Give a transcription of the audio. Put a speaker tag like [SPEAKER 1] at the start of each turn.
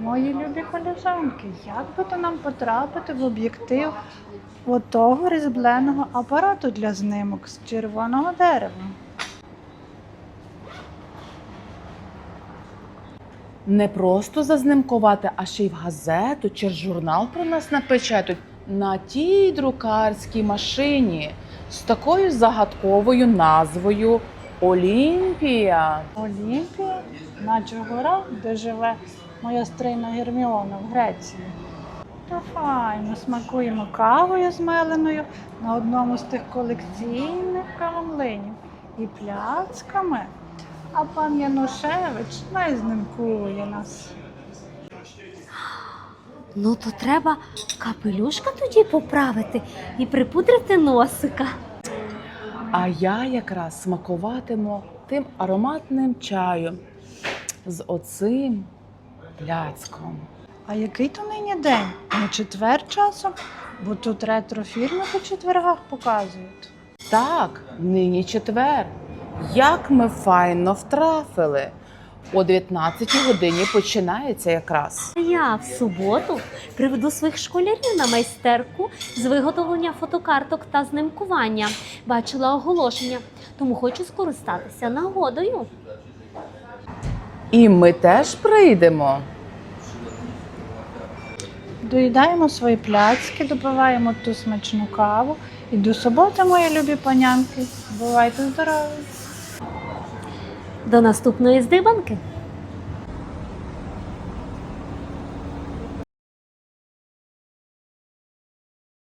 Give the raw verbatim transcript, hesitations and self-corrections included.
[SPEAKER 1] Мої любі колежанки, як би то нам потрапити в об'єктив отого різьбленого апарату для знимок з червоного дерева?
[SPEAKER 2] Не просто зазнимкувати, а ще й в газету чи журнал про нас напечатають на тій друкарській машині з такою загадковою назвою Олімпія.
[SPEAKER 1] Олімпія, наче гора, де живе моя стрийна Герміона в Греції. Та файно, смакуємо кавою змеленою на одному з тих колекційних кавомлинів і пляцками. А пан Янушевич не знімкує нас.
[SPEAKER 3] Ну, то треба капелюшка тоді поправити і припудрити носика.
[SPEAKER 2] А я якраз смакуватиму тим ароматним чаєм з оцим пляцком.
[SPEAKER 1] А який то нині день? Не четвер часом? Бо тут ретро-фільми по четвергах показують.
[SPEAKER 2] Так, нині четвер. Як ми файно втрафили. О дев'ятнадцятій годині починається якраз.
[SPEAKER 3] Я в суботу приведу своїх школярів на майстерку з виготовлення фотокарток та знімкування. Бачила оголошення, тому хочу скористатися нагодою.
[SPEAKER 2] І ми теж прийдемо.
[SPEAKER 1] Доїдаємо свої пляцки, допиваємо ту смачну каву. І до суботи, мої любі панянки. Бувайте здорові!
[SPEAKER 3] До наступної здибанки!